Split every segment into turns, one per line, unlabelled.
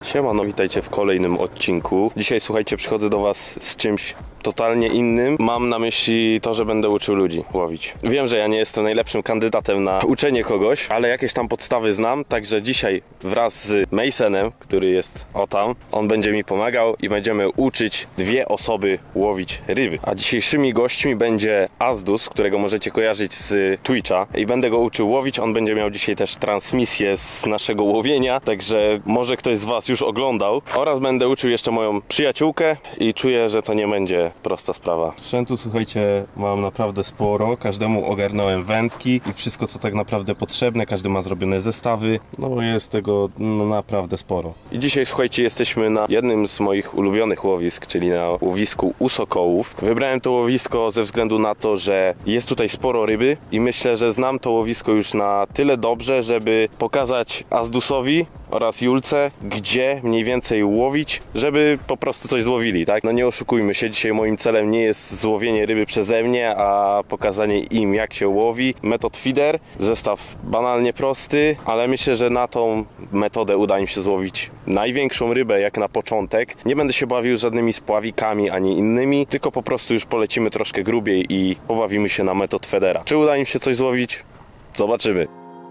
Siemano, witajcie w kolejnym odcinku. Dzisiaj, słuchajcie, przychodzę do was z czymś totalnie innym. Mam na myśli to, że będę uczył ludzi łowić. Wiem, że ja nie jestem najlepszym kandydatem na uczenie kogoś, ale jakieś tam podstawy znam, także dzisiaj wraz z Masonem, który jest o tam, on będzie mi pomagał i będziemy uczyć dwie osoby łowić ryby. A dzisiejszymi gośćmi będzie Azdus, którego możecie kojarzyć z Twitcha, i będę go uczył łowić. On będzie miał dzisiaj też transmisję z naszego łowienia, także może ktoś z was już oglądał. Oraz będę uczył jeszcze moją przyjaciółkę i czuję, że to nie będzie prosta sprawa. Sprzętu, słuchajcie, mam naprawdę sporo. Każdemu ogarnąłem wędki i wszystko, co tak naprawdę potrzebne. Każdy ma zrobione zestawy. No jest tego naprawdę sporo. I dzisiaj, słuchajcie, jesteśmy na jednym z moich ulubionych łowisk, czyli na łowisku u Sokołów. Wybrałem to łowisko ze względu na to, że jest tutaj sporo ryby i myślę, że znam to łowisko już na tyle dobrze, żeby pokazać Azdusowi oraz Julce, gdzie mniej więcej łowić, żeby po prostu coś złowili, tak? No nie oszukujmy się, dzisiaj moim celem nie jest złowienie ryby przeze mnie, a pokazanie im, jak się łowi. Metod feeder, zestaw banalnie prosty, ale myślę, że na tą metodę uda im się złowić największą rybę, jak na początek. Nie będę się bawił żadnymi spławikami ani innymi, tylko po prostu już polecimy troszkę grubiej i pobawimy się na metod feedera. Czy uda im się coś złowić? Zobaczymy.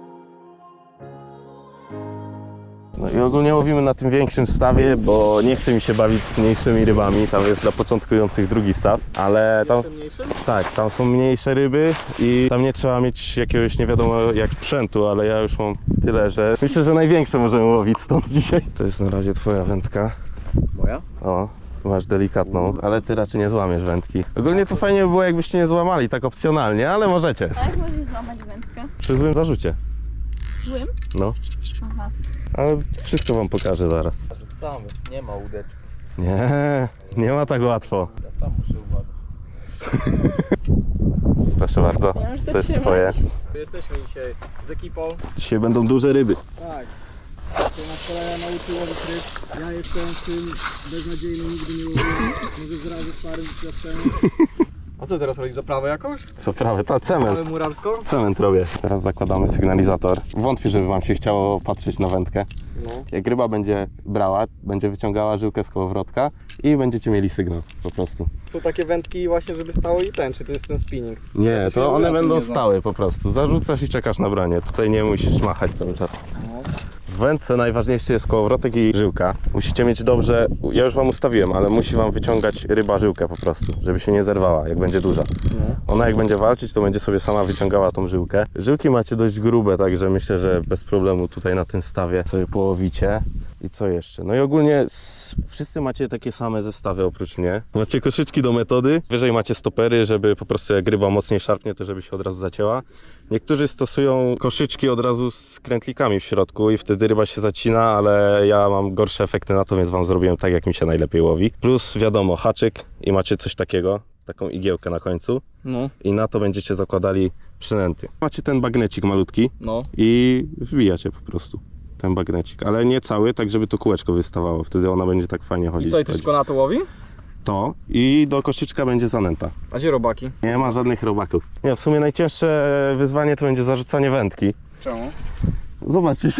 No i ogólnie łowimy na tym większym stawie, bo nie chce mi się bawić z mniejszymi rybami. Tam jest dla początkujących drugi staw, ale tam, tak, tam są mniejsze ryby i tam nie trzeba mieć jakiegoś nie wiadomo jak sprzętu, ale ja już mam tyle, że myślę, że największe możemy łowić stąd dzisiaj. To jest na razie twoja wędka.
Moja?
O, tu masz delikatną, ale ty raczej nie złamiesz wędki. Ogólnie to fajnie by było, jakbyście nie złamali, tak opcjonalnie, ale możecie.
A jak możesz złamać wędkę?
Przy złym zarzucie.
Złym?
No,
Aha.
ale wszystko wam pokażę zaraz.
Rzucamy, nie ma łódeczki.
Nie ma tak łatwo.
Ja sam muszę uważać.
Proszę bardzo,
Ja już to
to jest
trzymać.
twoje.
Jesteśmy dzisiaj z ekipą.
Dzisiaj będą duże ryby.
Tak. To nas kolega nauczył łowić ryb. Ja jestem w tym beznadziejny, nigdy nie łowiłem. Może zrazu starym doświadczeniem. A co teraz robić? Zaprawę jakąś?
Co prawie, ta cement.
Ale murarską?
Cement robię. Teraz zakładamy sygnalizator. Wątpię, żeby wam się chciało patrzeć na wędkę.
No.
Jak ryba będzie brała, będzie wyciągała żyłkę z kołowrotka i będziecie mieli sygnał po prostu.
Są takie wędki właśnie, żeby stało i ten, czy to jest ten spinning?
Nie,
Ja
to
się
one
o tym
będą
nie znam.
stały po prostu. Zarzucasz i czekasz na branie. Tutaj nie musisz machać cały czas.
No.
W wędce najważniejszy jest kołowrotek i żyłka. Musicie mieć dobrze, ja już wam ustawiłem, ale musi wam wyciągać ryba żyłkę po prostu, żeby się nie zerwała, jak będzie duża. Ona jak będzie walczyć, to będzie sobie sama wyciągała tą żyłkę. Żyłki macie dość grube, także myślę, że bez problemu tutaj na tym stawie sobie połowicie. I co jeszcze? No i ogólnie wszyscy macie takie same zestawy oprócz mnie. Macie koszyczki do metody, wyżej macie stopery, żeby po prostu jak ryba mocniej szarpnie, to żeby się od razu zacięła. Niektórzy stosują koszyczki od razu z krętlikami w środku i wtedy ryba się zacina, ale ja mam gorsze efekty na to, więc wam zrobiłem tak, jak mi się najlepiej łowi. Plus wiadomo, haczyk i macie coś takiego, taką igiełkę na końcu
No.
i na to będziecie zakładali przynęty. Macie ten bagnecik malutki
No.
i wbijacie po prostu ten bagnecik, ale nie cały, tak żeby to kółeczko wystawało, wtedy ona będzie tak fajnie chodzić.
I co, i ty tylko na to łowi?
To i do koszyczka będzie zanęta.
A gdzie robaki?
Nie ma żadnych robaków. Nie, w sumie najcięższe wyzwanie to będzie zarzucanie wędki.
Czemu?
Zobaczysz.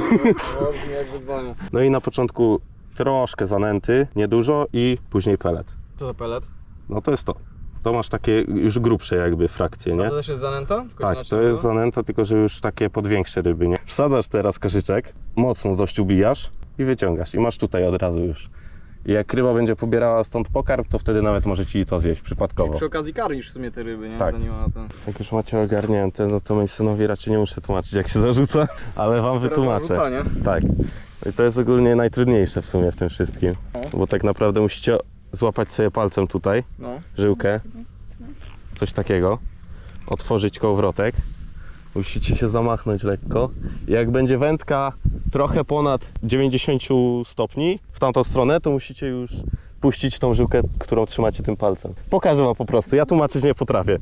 Brzmi jak wyzwanie.
No i na początku troszkę zanęty, niedużo i później pelet.
Co za pelet?
No to jest to. To masz takie już grubsze jakby frakcje, nie?
A to też jest zanęta? Tylko
Tak,
inaczej
to jest
nazywa?
zanęta, tylko że już takie pod większe ryby, nie? Wsadzasz teraz koszyczek, mocno dość ubijasz i wyciągasz. I masz tutaj od razu już. I jak ryba będzie pobierała stąd pokarm, to wtedy nawet może ci to zjeść przypadkowo.
Przy okazji karmisz w sumie te ryby, nie?
Tak.
Zanim ona ten...
Jak już macie ogarnięte, no to Masonowi raczej nie muszę tłumaczyć, jak się zarzuca, ale wam wytłumaczę.
Zarzucanie.
Tak. I to jest ogólnie najtrudniejsze w sumie w tym wszystkim. Bo tak naprawdę musicie złapać sobie palcem tutaj
No.
żyłkę, coś takiego, otworzyć kołowrotek, musicie się zamachnąć lekko. Jak będzie wędka trochę ponad 90 stopni w tamtą stronę, to musicie już puścić tą żyłkę, którą trzymacie tym palcem. Pokażę wam po prostu, ja tłumaczyć nie potrafię.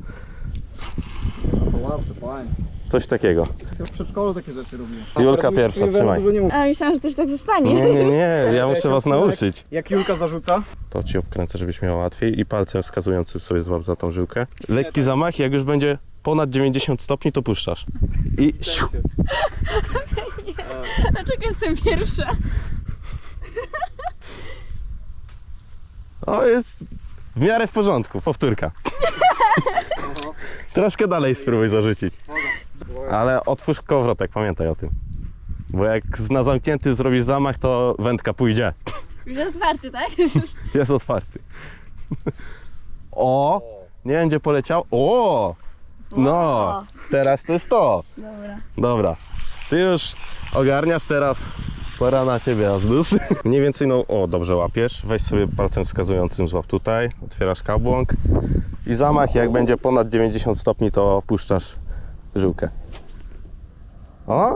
To łatwe, fajnie.
Coś takiego.
Ja w przedszkolu takie rzeczy robiłem.
Julka pierwsza, trzymaj.
A myślałam, że to już tak zostanie.
Nie, ja muszę was nauczyć.
Jak Julka zarzuca?
To ci obkręcę, żebyś miał łatwiej i palcem wskazującym sobie złap za tą żyłkę. Lekki zamach, jak już będzie ponad 90 stopni, to puszczasz. I siu.
Dlaczego jestem pierwsza?
O, jest w miarę w porządku, powtórka. Troszkę dalej spróbuj zarzucić. Ale otwórz kołowrotek, pamiętaj o tym. Bo jak na zamknięty zrobisz zamach, to wędka pójdzie.
Już jest otwarty, tak?
Jest otwarty. O! Nie wiem, gdzie poleciał. O! No! Teraz to jest to.
Dobra.
Dobra. Ty już ogarniasz teraz. Pora na ciebie, Azdus. Mniej więcej, no, o, dobrze łapiesz. Weź sobie palcem wskazującym, złap tutaj. Otwierasz kabłąk. I zamach, jak będzie ponad 90 stopni, to puszczasz żyłkę. O!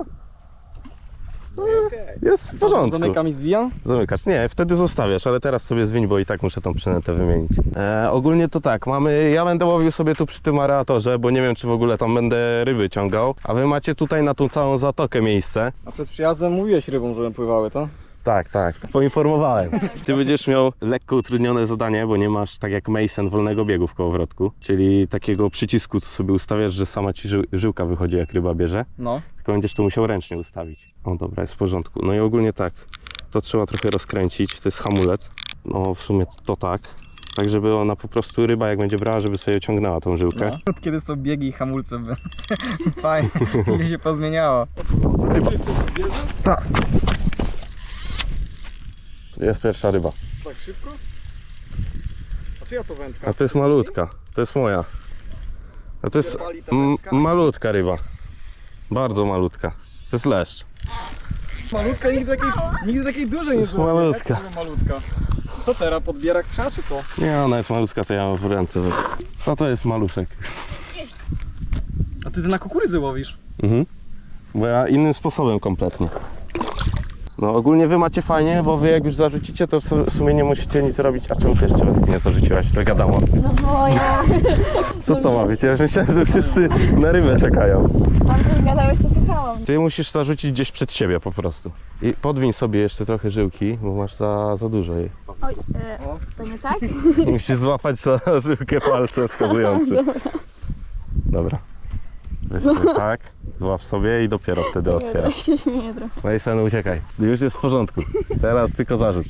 Jest w porządku.
Zamykam i zwijam?
Zamykasz. Nie, wtedy zostawiasz, ale teraz sobie zwiń, bo i tak muszę tą przynętę wymienić. Ogólnie to tak, ja będę łowił sobie tu przy tym aeratorze, bo nie wiem, czy w ogóle tam będę ryby ciągał. A wy macie tutaj na tą całą zatokę miejsce.
A przed przyjazdem mówiłeś rybom, żeby pływały, to?
Tak, tak, poinformowałem. Ty będziesz miał lekko utrudnione zadanie, bo nie masz tak jak Mason wolnego biegu w kołowrotku, czyli takiego przycisku, co sobie ustawiasz, że sama ci żyłka wychodzi, jak ryba bierze.
No.
Tylko będziesz to musiał ręcznie ustawić. O, dobra, jest w porządku. No i ogólnie tak, to trzeba trochę rozkręcić, to jest hamulec. No w sumie to tak. Tak, żeby ona po prostu, ryba jak będzie brała, żeby sobie ciągnęła tą żyłkę.
No. Od kiedy są biegi i hamulce, fajnie, ile się pozmieniało.
Ryba. Tak. Jest pierwsza ryba.
Tak szybko? A czyja to wędka?
A to jest malutka, to jest moja. A to jest malutka ryba. Bardzo malutka. To jest leszcz.
Malutka, nigdy takiej dużej nie
jest
było.
malutka.
Jak to malutka. Co teraz, podbierak trzeba czy co?
Nie, ona jest malutka, to ja mam w ręce. To jest maluszek.
A ty na kukurydzy łowisz?
Mhm. Bo ja innym sposobem kompletnie. No ogólnie wy macie fajnie, bo wy jak już zarzucicie, to w sumie nie musicie nic robić. A czemu ty jeszcze nie zarzuciłaś? To wiadomo.
No bo ja...
Co to ma być? Ja już myślałem, że wszyscy na rybę czekają.
Tam coś gadałeś, to słuchałam.
Ty musisz zarzucić gdzieś przed siebie po prostu. I podwiń sobie jeszcze trochę żyłki, bo masz za dużo jej.
Oj, to nie tak?
Musisz złapać za żyłkę palcem wskazującym. Dobra. Weź sobie tak, złap sobie i dopiero wtedy otwierasz.
się śmieję trochę.
Mason, uciekaj. Już jest w porządku. Teraz tylko zarzut.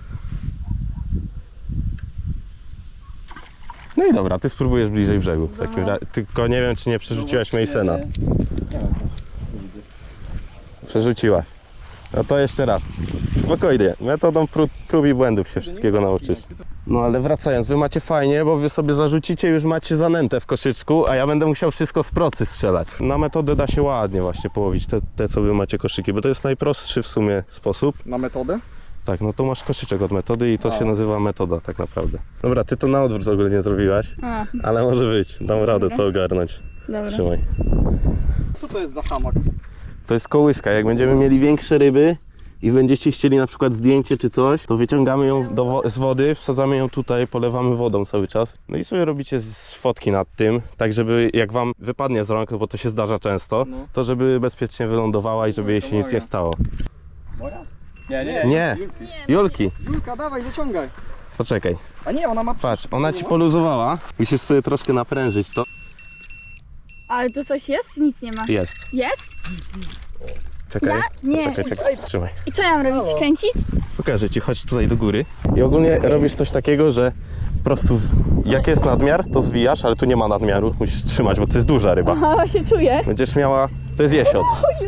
No i dobra, ty spróbujesz bliżej brzegu. W takim razie. Tylko nie wiem, czy nie przerzuciłaś Masona. Przerzuciłaś. No to jeszcze raz. Spokojnie. Metodą prób i błędów się wszystkiego nauczysz. No ale wracając, wy macie fajnie, bo wy sobie zarzucicie, już macie zanętę w koszyczku, a ja będę musiał wszystko z procy strzelać. Na metodę da się ładnie właśnie połowić te co wy macie koszyki, bo to jest najprostszy w sumie sposób.
Na metodę?
Tak, no to masz koszyczek od metody i to się nazywa metoda tak naprawdę. Dobra, ty to na odwrót w ogóle nie zrobiłaś,
A,
ale może być, dam radę to ogarnąć.
dobra.
Trzymaj.
Co to jest za hamak?
To jest kołyska, jak będziemy mieli większe ryby i będziecie chcieli na przykład zdjęcie czy coś, to wyciągamy ją z wody, wsadzamy ją tutaj, polewamy wodą cały czas. No i sobie robicie fotki nad tym, tak żeby jak wam wypadnie z rąk, bo to się zdarza często,
No.
to żeby bezpiecznie wylądowała i żeby jej się nic nie stało.
Moja? Nie.
Nie, Julki,
Julka, dawaj, zaciągaj.
poczekaj.
A nie, ona ma...
Patrz, ona ci poluzowała, musisz sobie troszkę naprężyć to.
Ale to coś jest, czy nic nie ma?
Jest.
Jest?
Czekaj,
Nie.
czekaj, trzymaj.
I co ja mam robić?
Halo?
Kręcić?
Pokażę ci, chodź tutaj do góry. I ogólnie robisz coś takiego, że po prostu jak jest nadmiar, to zwijasz, ale tu nie ma nadmiaru, musisz trzymać, bo to jest duża ryba.
Aha, się czuję.
Będziesz miała, to jest jesiot.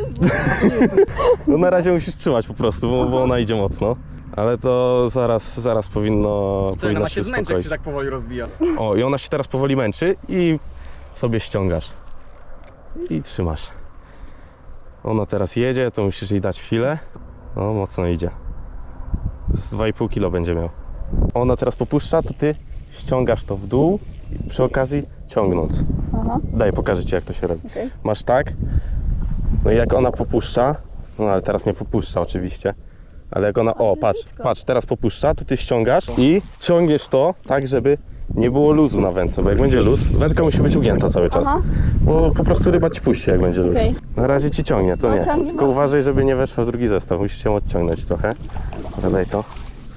No na razie musisz trzymać po prostu, bo ona idzie mocno. Ale to zaraz powinno
Co, ona ma się
się
zmęczyć, jak
uspokoić.
się tak powoli rozwija.
O, i ona się teraz powoli męczy i sobie ściągasz. I trzymasz. Ona teraz jedzie, to musisz jej dać chwilę. No, mocno idzie. Z 2,5 kg będzie miał. Ona teraz popuszcza, to ty ściągasz to w dół i przy okazji ciągnąc.
Aha,
Daj, pokażę ci jak to się robi.
okej.
Masz tak, no i jak ona popuszcza, no ale teraz nie popuszcza oczywiście, ale jak ona, o patrz, teraz popuszcza, to ty ściągasz i ciągniesz to tak, żeby nie było luzu na wędce, bo jak będzie luz, wędka musi być ugięta cały czas,
Aha.
bo po prostu ryba ci puści jak będzie luz.
Okej.
Na razie ci ciągnie, to
No,
nie,
ciągnie
tylko
mocno.
uważaj, żeby nie weszła w drugi zestaw, musisz ją odciągnąć trochę. Daj to.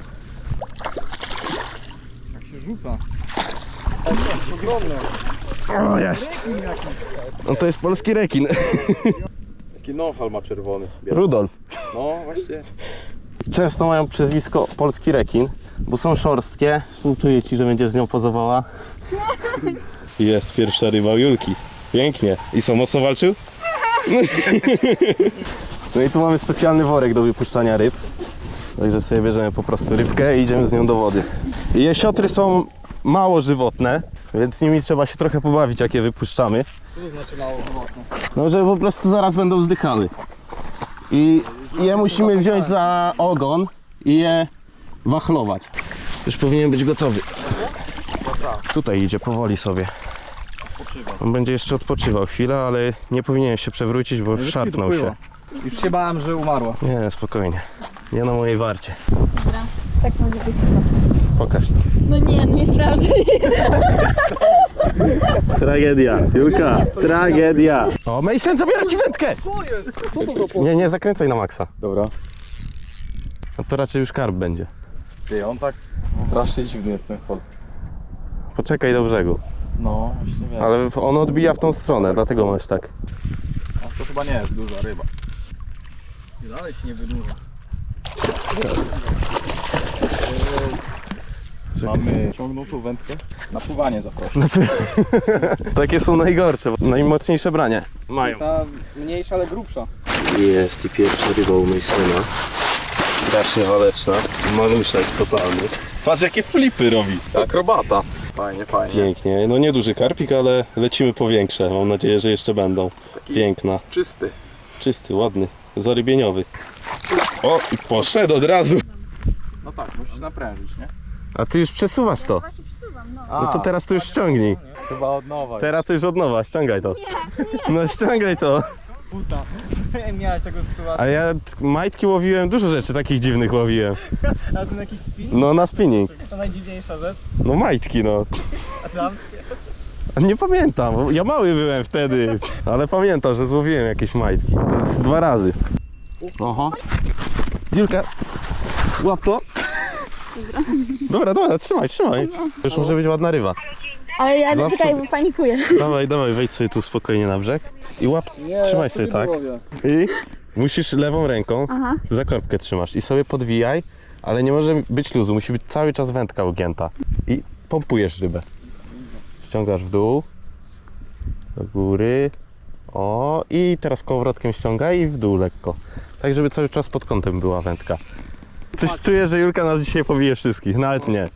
Jak się rzuca. O, to ogromne.
O, jest! No to jest polski rekin.
Taki nofal ma czerwony.
Rudolf.
No właśnie.
Często mają przezwisko polski rekin, bo są szorstkie. Czuję ci, że będziesz z nią pozowała. Jest pierwsza ryba u Julki. Pięknie. I co, mocno walczył? No i tu mamy specjalny worek do wypuszczania ryb. Także sobie bierzemy po prostu rybkę i idziemy z nią do wody. I jesiotry są mało żywotne, więc nimi trzeba się trochę pobawić, jak je wypuszczamy.
Co to znaczy mało owocne?
No, że po prostu zaraz będą zdychały. I je musimy wziąć za ogon i je wachlować. Już powinien być gotowy. Tutaj idzie powoli sobie. On będzie jeszcze odpoczywał chwilę, ale nie powinien się przewrócić, bo szarpnął się.
Już się bałem, że umarła.
Nie, spokojnie. Nie na mojej warcie.
Dobra, tak może być chyba.
Pokaż to.
No nie, no nie sprawdzę.
Tragedia. Julka, tragedia. O, Mason, zabiera ci wędkę!
Co jest? Co to za
Nie, nie zakręcaj na maksa.
Dobra.
No to raczej już karp będzie.
Ty, on tak strasznie dziwny jest ten hol.
Poczekaj do brzegu.
No, właśnie wiem.
Ale on odbija w tą stronę, dlatego masz tak.
A to chyba nie jest duża ryba.
Dalej się nie wydłuża.
Mamy ciągnutą wędkę. Na pływanie zapraszam.
Takie są najgorsze, bo najmocniejsze branie mają.
Ta mniejsza, ale grubsza.
Jest i pierwsza ryba u Masona. Strasznie waleczna. Maluszek totalny. Patrz jakie flipy robi.
Akrobata. Fajnie, fajnie.
Pięknie. No nie duży karpik, ale lecimy po większe. Mam nadzieję, że jeszcze będą. Piękna.
Czysty.
Czysty, ładny. Zarybieniowy. O, i poszedł od razu.
No tak, musisz naprężyć, nie?
A ty już przesuwasz to.
Właśnie przesuwam, no.
No to teraz to już ściągnij.
Chyba od nowa.
Teraz to już od nowa, ściągaj to. No ściągaj to.
Puta. Miałeś taką sytuację.
A ja majtki łowiłem, dużo rzeczy takich dziwnych łowiłem.
A ten jakiś spin?
No na spinning.
To najdziwniejsza rzecz.
No majtki no.
A damskie?
A nie pamiętam, bo ja mały byłem wtedy. Ale pamiętam, że złowiłem jakieś majtki. To jest 2 razy. Oho. Dziurka. Łap to. Dobra, trzymaj. Już może być ładna ryba.
Ale ja
Zawsze-
czekaj, bo panikuję.
Dawaj, wejdź sobie tu spokojnie na brzeg. I łap,
Nie,
trzymaj
ja
sobie
nie
tak.
łowię.
I musisz lewą ręką
Aha.
za korbkę trzymasz i sobie podwijaj, ale nie może być luzu, musi być cały czas wędka ugięta. I pompujesz rybę. Ściągasz w dół, do góry, o i teraz kołowrotkiem ściągaj i w dół lekko. Tak, żeby cały czas pod kątem była wędka. Coś czuję, że Julka nas dzisiaj pobije wszystkich, nawet nie.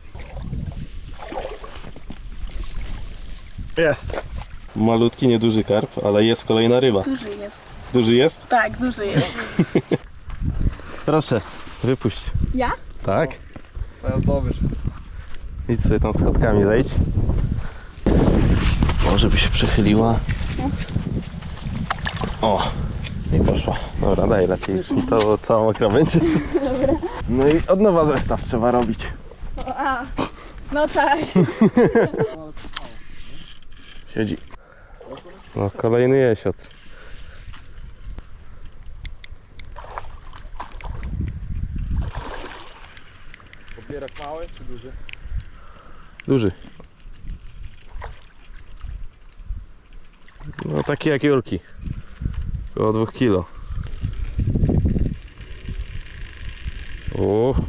Jest! Malutki, nieduży karp, ale jest kolejna ryba.
Duży jest.
Duży jest?
Tak, duży jest.
Proszę, wypuść.
Ja?
Tak?
Teraz dobysz.
Idź sobie tam schodkami zejdź. Może by się przechyliła. O! I poszła. Dobra, daj lepiej, już mi to całą mokra będziesz. No i od nowa zestaw trzeba robić.
O, a. No tak.
Siedzi. No, kolejny jesiotr.
Popierak mały czy duży?
Duży. No taki jak Julki. Około 2 kilo. O.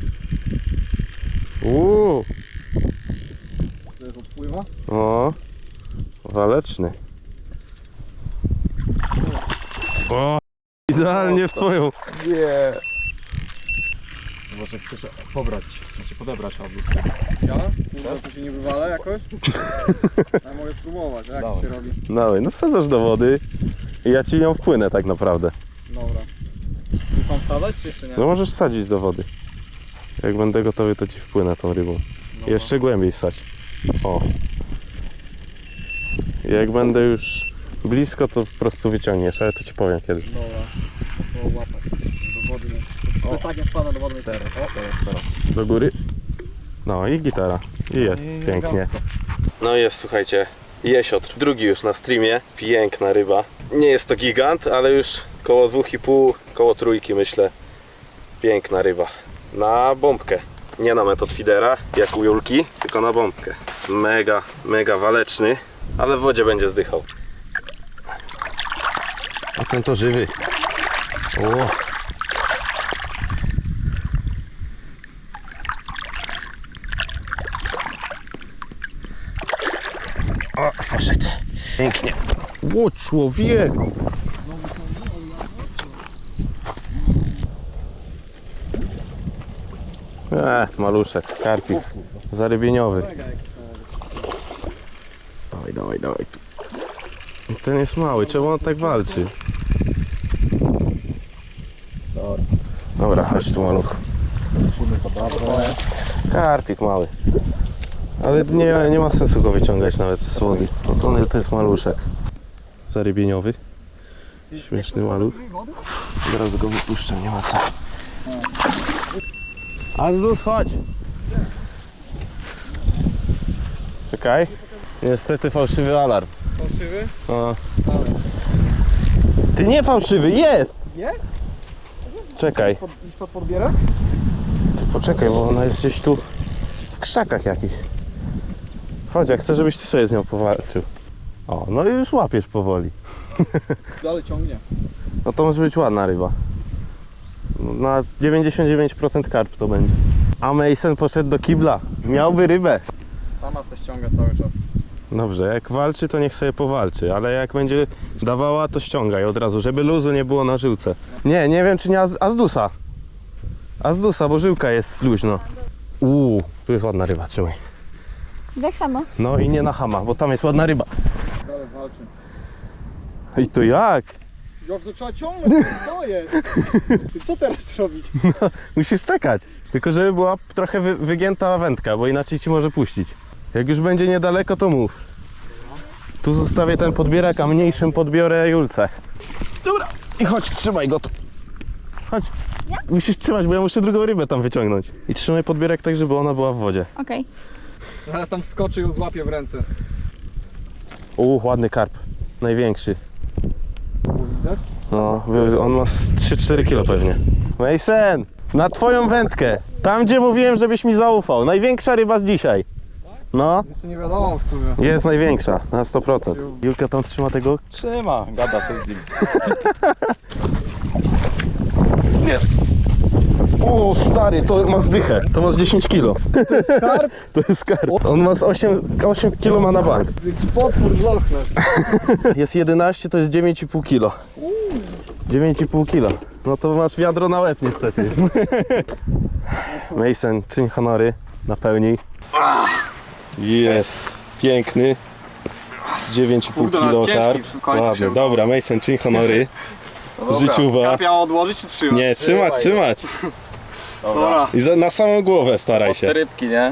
To jest odpływa?
O, waleczny. O, idealnie w twoją.
Nie. Może chcesz pobrać, znaczy podebrać albo.
Ja? Kurwa, tu się nie wywalę jakoś? Ja mogę spróbować, jak to
Dawaj.
się robi?
Dawaj, no wsadzasz do wody i ja ci nią wpłynę tak naprawdę.
Dobra. Już mam wsadzać, czy jeszcze nie?
No możesz sadzić do wody. Jak będę gotowy, to ci wpłynę tą rybą. Jeszcze głębiej wsadź. O. Jak będę już blisko, to po prostu wyciągniesz, ale to ci powiem kiedy.
Dobra. To łapać. Do wody. To tak wpada do wody.
Teraz.
Do góry. No i gitara. I jest, pięknie. No jest, słuchajcie, jesiotr. Drugi już na streamie. Piękna ryba. Nie jest to gigant, ale już koło 2,5, koło 3 myślę. Piękna ryba. Na bombkę. Nie na metod feedera, jak u Julki, tylko na bombkę. Jest mega waleczny, ale w wodzie będzie zdychał. A ten to żywy. O. O, poszedł. Pięknie. O, człowieku. Maluszek, karpik zarybieniowy. Dawaj, dawaj, dawaj. Ten jest mały, czemu on tak walczy? Dobra, chodź tu, maluch. Karpik mały. Ale nie ma sensu go wyciągać nawet z wody. No to jest maluszek. Zarybieniowy. Śmieszny maluch. Zaraz go wypuszczę, nie ma co. Azdus, chodź! Czekaj. Niestety fałszywy alarm.
Fałszywy?
O. Ty nie fałszywy, jest!
Jest?
Czekaj.
Idź pod podbierę?
Ty poczekaj, bo ona jest gdzieś tu w krzakach jakichś. Chodź, ja chcę, żebyś ty sobie z nią powalczył. O, no i już łapiesz powoli.
Dalej ciągnie.
No to może być ładna ryba. Na 99% karp to będzie. A Mason poszedł do kibla. Miałby rybę.
Sama se ściąga cały czas.
Dobrze, jak walczy, to niech sobie powalczy, ale jak będzie dawała, to ściągaj od razu, żeby luzu nie było na żyłce. Nie wiem, czy nie Azdusa. Azdusa, bo żyłka jest luźno. Tu jest ładna ryba, trzymaj.
Tak samo.
No i nie na hama, bo tam jest ładna ryba.
Dalej walczy.
I to jak?
Jak to trzeba ciągnąć? Co jest? Ty co teraz robić?
Musisz czekać. Tylko żeby była trochę wygięta wędka, bo inaczej ci może puścić. Jak już będzie niedaleko, to mów. Tu zostawię ten podbierak, a mniejszym podbiorę Julce. Dobra. I chodź, trzymaj go tu. Chodź. Musisz trzymać, bo ja muszę drugą rybę tam wyciągnąć. I trzymaj podbierak tak, żeby ona była w wodzie.
Okej.
Zaraz tam wskoczy i ją złapie w ręce.
Ładny karp. Największy.
Widać?
No, on ma z 3-4 kilo pewnie. Mason, na twoją wędkę. Tam, gdzie mówiłem, żebyś mi zaufał. Największa ryba z dzisiaj. No,
Jeszcze nie wiadomo w sumie.
jest największa, na 100%. Julka tam trzyma tego.
Trzyma, gada sobie z nim.
Jest. O, stary, to ma zdychę. To ma z 10 kilo. To jest
karp?
To jest karp. On ma z 8 kilo ma na bank.
Jaki potwór z Loch Ness.
Jest 11, to jest 9,5 kilo. 9,5 kilo. No to masz wiadro na łeb niestety. Mason, czyń honory. Napełnij. Jest. Piękny. 9,5
Kurde,
kilo
ciężki
karp.
w końcu
Ładny.
się
Dobra, Mason, czyń honory. Życiowa.
Karp miał odłożyć czy trzymać?
Nie, trzymać.
Dobra.
I na samą głowę staraj się.
Te rybki, nie?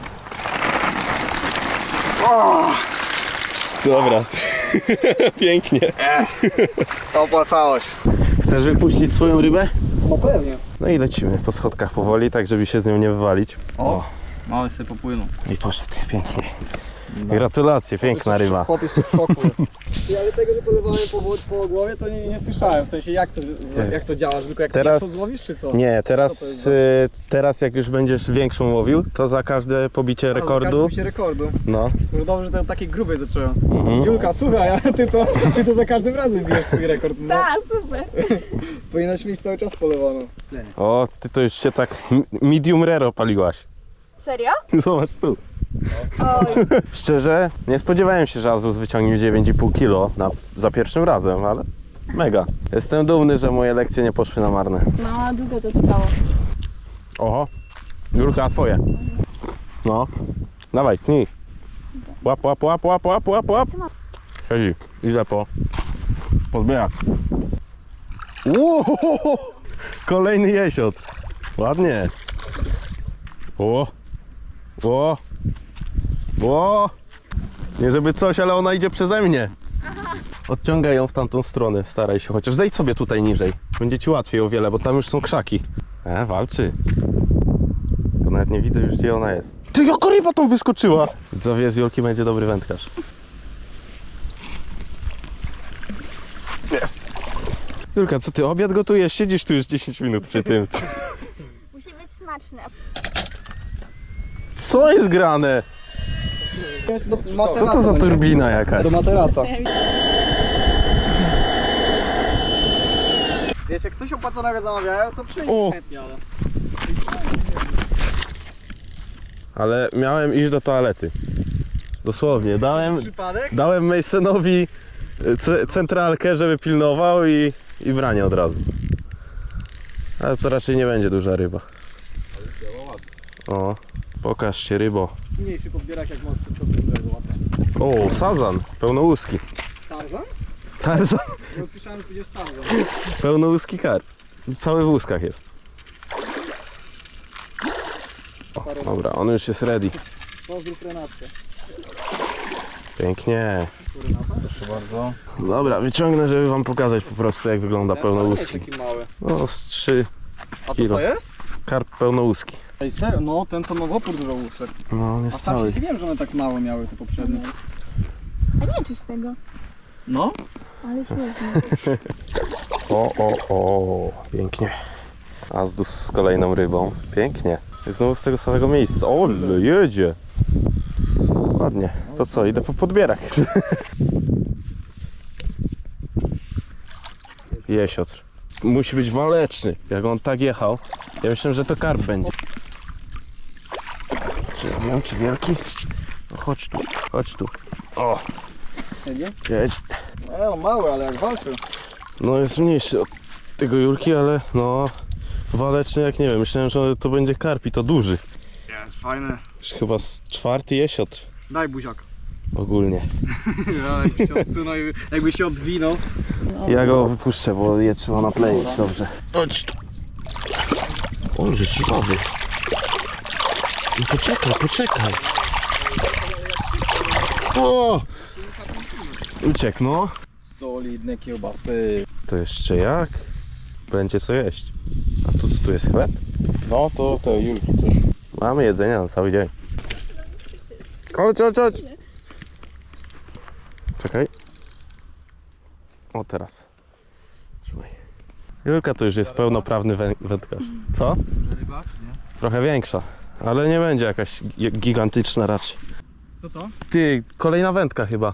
Dobra. Pięknie.
To opłacało się.
Chcesz wypuścić swoją rybę?
No pewnie.
No i lecimy po schodkach powoli, tak żeby się z nią nie wywalić.
O, mały sobie popłynął.
I poszedł, pięknie. Gratulacje, piękna ryba.
Chłop jeszcze w szoku jest. Ale tego, że polewałem po głowie, to nie słyszałem. W sensie jak to działa, że tylko jak
Teraz-
to złowisz, czy co?
Nie,
Co to jest
teraz jak już będziesz większą łowił, to za każde pobicie rekordu,
się rekordu.
no,
Może dobrze, że to takiej grubej zacząłem.
mhm.
Julka, słuchaj, a ty to za każdym razem bijesz swój rekord. No,
Tak, super.
powinnaś mieć cały czas polewaną.
O, ty to już się tak medium rare paliłaś.
Serio?
Zobacz tu.
Oj.
Szczerze, nie spodziewałem się, że Azus wyciągnie 9,5 kilo za pierwszym razem, ale mega. Jestem dumny, że moje lekcje nie poszły na marne.
No, długo to trwało.
Oho, Julka, twoje. No, dawaj, tnij. Łap. Siedzi, idę po podbierak. Ło, kolejny jesiot. Ładnie. O. Nie żeby coś, ale ona idzie przeze mnie. Odciągaj ją w tamtą stronę, staraj się. Chociaż zejdź sobie tutaj niżej. Będzie ci łatwiej o wiele, bo tam już są krzaki. Walczy. Tylko nawet nie widzę już, gdzie ona jest. Ty, jaka ryba tam wyskoczyła! Widzowie, z Julki będzie dobry wędkarz. Jest. Julka, co ty, obiad gotujesz? Siedzisz tu już 10 minut przy tym.
Musi być smaczne.
Co jest grane? Co to za turbina jakaś?
Do materaca. Wiesz, jak coś opłaconego zamawiają, to przyjdzie
O.
chętnie, ale...
Ale miałem iść do toalety. Dosłownie,
Przypadek?
dałem Masonowi centralkę, żeby pilnował i branie od razu. Ale to raczej nie będzie duża ryba. O, pokaż się, rybo.
Mniejszy podbierak jak masz wszystko dużego łapę.
O, sazan, pełnołuski.
Tarzan?
Tarzan,
Ja odpisałem, że będziesz Tarzan.
pełnołuski karp. Cały w łuskach jest. O, dobra, on już jest ready.
Pozdrów Renatkę.
Pięknie.
Proszę bardzo.
Dobra, wyciągnę, żeby wam pokazać po prostu, jak wygląda pełnołuski.
Taki mały.
No, z 3
A to
kilo.
co jest?
Karp pełnołuski.
Ej, serio? No, ten to nowopór dużo łusek.
No, on
A
jest
sam
cały.
się wiem, że one tak małe miały te poprzednie.
A nie czyś tego.
No?
Ale śmiesznie.
O, pięknie. Azdus z kolejną rybą. Pięknie. I znowu z tego samego miejsca. O, jedzie. Ładnie. To co, idę po podbierak. Jesiotr. Musi być waleczny. Jak on tak jechał, ja myślałem, że to karp będzie. Czy ja wiem, czy wielki? No chodź tu, chodź tu. O,
Nie?
jedź.
On mały, ale jak walczy.
No jest mniejszy od tego Julki, ale no waleczny jak nie wiem. Myślałem, że to będzie karp i to duży.
Jest fajny.
Już chyba z 4. jesiotr
Daj buziak.
ogólnie.
Jakby się odsunął i jakby się odwinął.
Ja go wypuszczę, bo je trzeba napleić, dobrze. Chodź tu. O, jest żwawy. No poczekaj. O! Uciekł, no.
Solidne kiełbasy.
To jeszcze jak? Będzie co jeść. A tu co tu jest chleb?
No to te Julki coś.
Mamy jedzenie na cały dzień. Chodź. Czekaj. O, teraz. Trzymaj. Julka to już jest pełnoprawny wędkarz. Co?
Ryba, nie?
Trochę większa, ale nie będzie jakaś gigantyczna raczej.
Co to?
Ty, kolejna wędka chyba.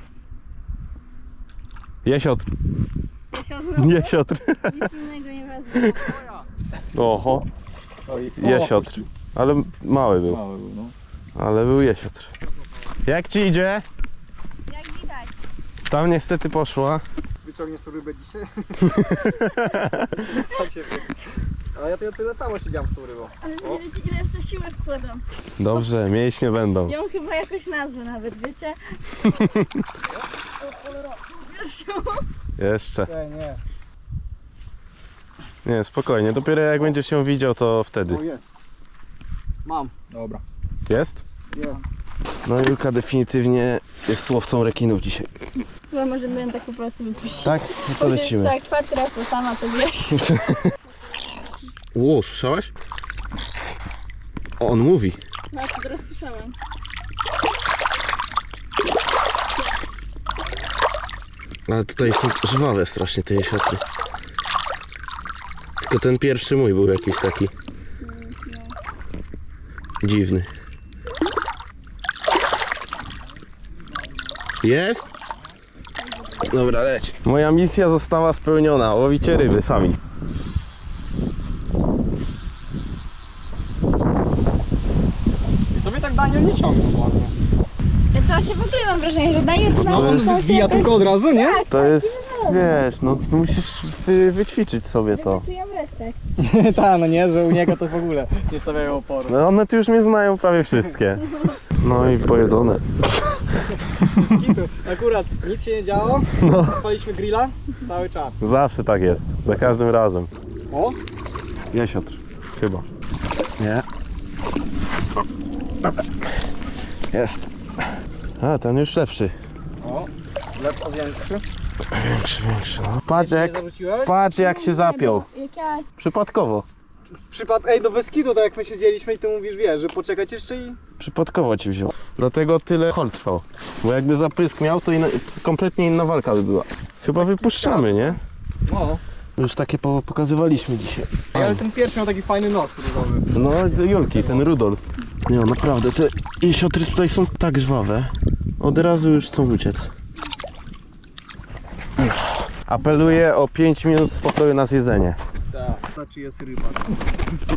Jesiotr. Jesiotr.
Nic innego nie wezmę.
Oho,
Oj,
jesiotr. Ale mały był.
Mały był, no.
Ale był jesiotr. Jak ci idzie?
Jak widać.
Tam niestety poszła.
Wyciągniesz tą rybę dzisiaj? A ja tyle samo siedziałem z tą rybą.
Ale wiecie, ile w to siłę wkładam.
Dobrze, mięśnie będą.
Ją chyba jakoś nazwę nawet, wiecie? Wiesz ją?
Jeszcze.
Nie.
Nie, spokojnie. Dopiero jak będziesz ją widział, to wtedy.
O, jest. Mam.
Dobra.
Jest?
Jest.
No Julka definitywnie jest łowcą rekinów dzisiaj.
Chyba możemy ją tak po prostu wypuścić.
Tak? No to
Już jest
lecimy.
tak, 4. raz to sama, to wiesz.
Ło, słyszałaś? O, on mówi.
No, to teraz słyszałam.
Ale tutaj są żwawe strasznie te jesiotry. Tylko ten pierwszy mój był jakiś taki dziwny. Jest? Dobra, leć. Moja misja została spełniona. Łowicie ryby sami.
I tobie tak Daniel nie ciągnął bardzo.
Ja to się w ogóle mam wrażenie, że daje to na
No on
ulicę,
zwija
jakoś-
tylko od razu, nie?
To jest, wiesz, no musisz wyćwiczyć sobie to.
Czuję respekt.
Tak, no nie, że u niego to w ogóle nie stawiają oporu.
No one tu już mnie znają prawie wszystkie. No i pojedzone.
Kitu. Akurat nic się nie działo,
No.
spaliśmy grilla cały czas.
Zawsze tak jest. Za każdym razem.
O,
Jesiotr. Chyba. Nie. Jest. A, ten już lepszy.
o, lepko większy.
Większy. No. Patrz
Nie
jak,
zarzuciłeś?
patrz jak się zapiął.
Jak ja...
Przypadkowo.
Ej, do Beskidu, tak jak my siedzieliśmy i ty mówisz, wiesz, że poczekać jeszcze i...
Przypadkowo ci wziął. Dlatego tyle hol trwał. Bo jakby zapysk miał, to kompletnie inna walka by była. Chyba wypuszczamy, nie?
No.
Już takie pokazywaliśmy dzisiaj.
Ale ten pierwszy miał taki fajny nos różowy.
No, Julki, ten Rudolf. Nie, naprawdę, te jesiotry tutaj są tak żwawe. Od razu już chcą uciec. Apeluję o 5 minut spokoju na zjedzenie.
Tak. Znaczy jest rybak.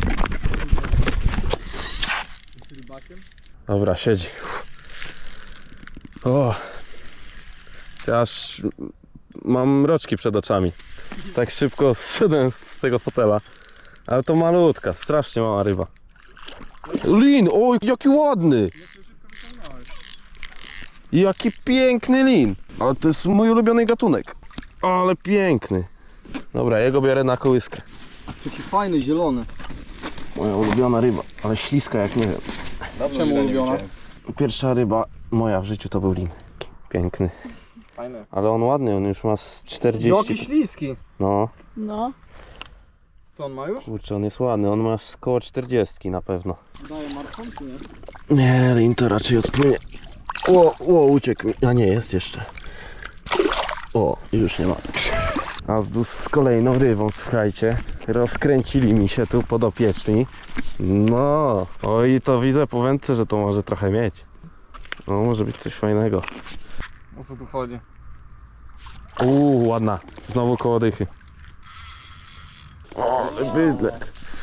Jest rybakiem?
Dobra, siedzi. O, ja aż mam mroczki przed oczami. Tak szybko zszedłem z tego fotela. Ale to malutka, strasznie mała ryba. Lin, oj, jaki ładny! Jaki piękny lin! Ale to jest mój ulubiony gatunek. Ale piękny. Dobra, jego biorę na kołyskę.
Taki fajny, zielony.
Moja ulubiona ryba, ale śliska jak nie wiem.
Czemu ulubiona?
Pierwsza ryba moja w życiu to był lin. Piękny.
Fajny.
Ale on ładny, on już ma z 40.
Jaki śliski.
No,
No.
Co on ma już?
kurczę, on jest ładny, on ma z koło 40 na pewno.
Daje marką, czy nie?
Nie, lin to raczej odpłynie. O, uciekł mi. A nie, jest jeszcze. O, już nie ma. Azdus z kolejną rybą, słuchajcie. Rozkręcili mi się tu podopieczni. No, oj, to widzę po wędce, że to może trochę mieć. No, może być coś fajnego.
O co tu chodzi?
Ładna. Znowu koło dychy. O, ale bydle.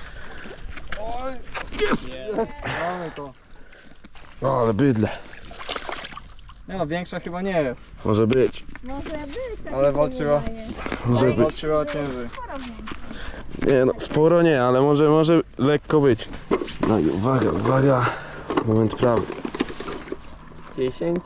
Mamy to.
O, ale bydle.
Nie no, większa chyba nie jest.
Może być.
Może być. tak
Ale
mi się
walczyła.
wydaje.
Może być.
Walczyła o ciężej.
Nie no, sporo nie, ale może lekko być. No i uwaga. Moment prawdy.
10.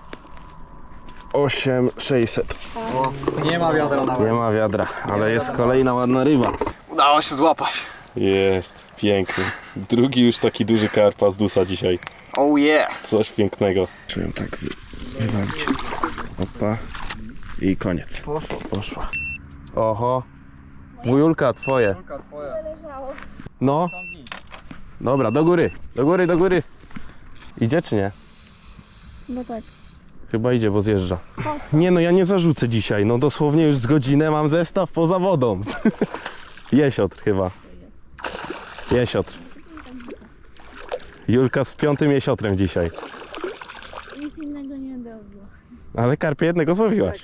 8600.
O, nie ma wiadra nawet.
Nie ma wiadra, ale jest kolejna ładna ryba.
Udało się złapać.
Jest, piękny. Drugi już taki duży karp Azdusa dzisiaj.
Oh yeah.
Coś pięknego. Czuję tak wywalić. Opa. I koniec. Poszła. Oho. Wujulka, twoje.
Twoja.
Leżało.
No. Dobra, do góry. Idzie czy nie?
No tak.
Chyba idzie, bo zjeżdża. Nie no, ja nie zarzucę dzisiaj. No dosłownie już z godzinę mam zestaw poza wodą. Jesiotr chyba. Jesiotr. Julka z 5. jesiotrem dzisiaj.
Nic innego nie było.
Ale karpia jednego złowiłaś.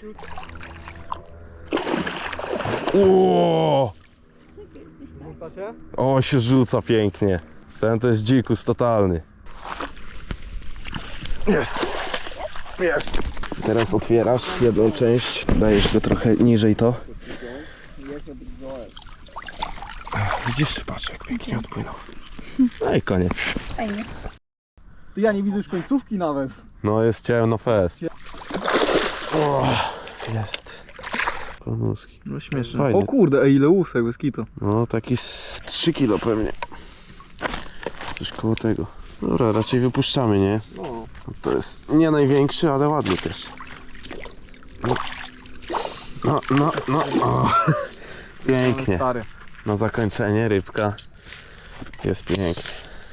Uuu!
Rzuca się?
O, się rzuca pięknie. Ten to jest dzikus totalny. Jest. Teraz otwierasz jedną część, dajesz go trochę niżej to. Widzisz? Patrz jak pięknie odpłynął. No i koniec.
Fajnie.
Ty, ja nie widzę już końcówki nawet.
No jest ciemno fest. O, jest. Konuski.
No śmieszne.
Fajny.
O kurde, ej, ile łusek, bez kitu.
No taki z 3 kilo pewnie. Coś koło tego. Dobra, raczej wypuszczamy, nie?
No.
To jest nie największy, ale ładny też. No. O. Pięknie.
Stary.
Na zakończenie rybka jest pięknie.